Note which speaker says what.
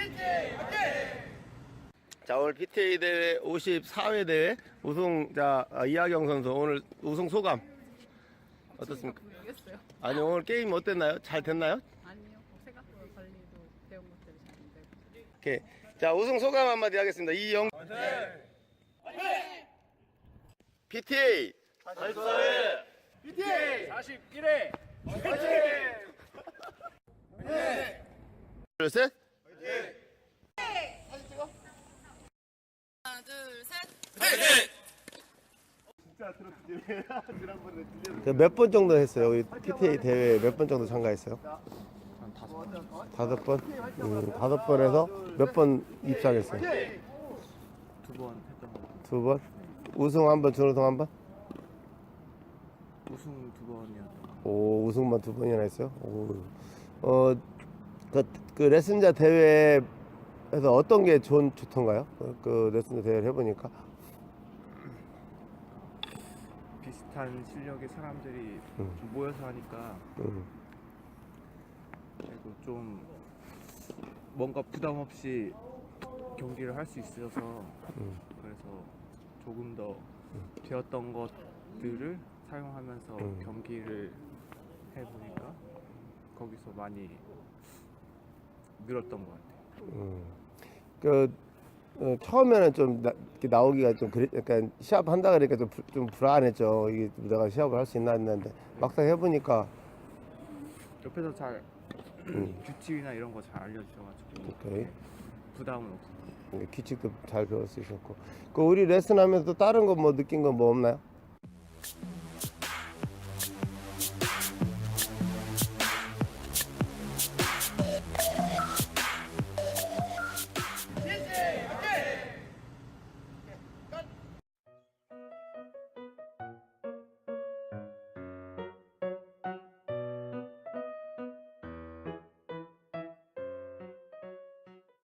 Speaker 1: 자, 오늘 PTA 대회 54회 대회 우승자 이하경 선수 오늘 우승 소감 어떻습니까?
Speaker 2: 모르겠어요.
Speaker 1: 아니 오늘 게임 어땠나요? 잘 됐나요?
Speaker 2: 아니요. 생각보다 관리도 배운 것들이 잘 안 되고.
Speaker 1: 오케이. 자, 우승 소감 한마디 하겠습니다. 이영 PTA
Speaker 3: PTA 41회
Speaker 1: 둘, 셋.
Speaker 2: 하나, 둘, 셋.
Speaker 1: 몇 번 정도 했어요? 우리 PTA 대회 몇 번 정도 참가했어요?
Speaker 3: 한 5번.
Speaker 1: 5번? 5번에서 몇 번 입상했어요?
Speaker 3: 2번 했던 거.
Speaker 1: 2번? 우승 한 번, 준우승 한 번?
Speaker 3: 우승 2번이었던 거.
Speaker 1: 오, 우승만 2번이나 했어요? 오. 그 레슨자 대회에서 어떤 게 좋던가요? 그 레슨자 대회를 해보니까.
Speaker 3: 비슷한 실력의 사람들이 좀 모여서 하니까 그리고 좀 뭔가 부담 없이 경기를 할 수 있어서 그래서 조금 더 배웠던 것들을 사용하면서 경기를 해보니까 거기서 많이 늘었던 것 같아요.
Speaker 1: 처음에는 좀 이렇게 나오기가 좀 약간 시합 한다 그러니까 좀 불안했죠. 이게 내가 시합을 할 수 있나 했는데 막상 해보니까
Speaker 3: 옆에서 잘 규칙이나 이런 거 잘 알려주셔가지고
Speaker 1: 오케이.
Speaker 3: 부담은 없었어요.
Speaker 1: 규칙도 잘 배울 수 있었고. 우리 레슨하면서 또 다른 거 뭐 느낀 건 뭐 없나요?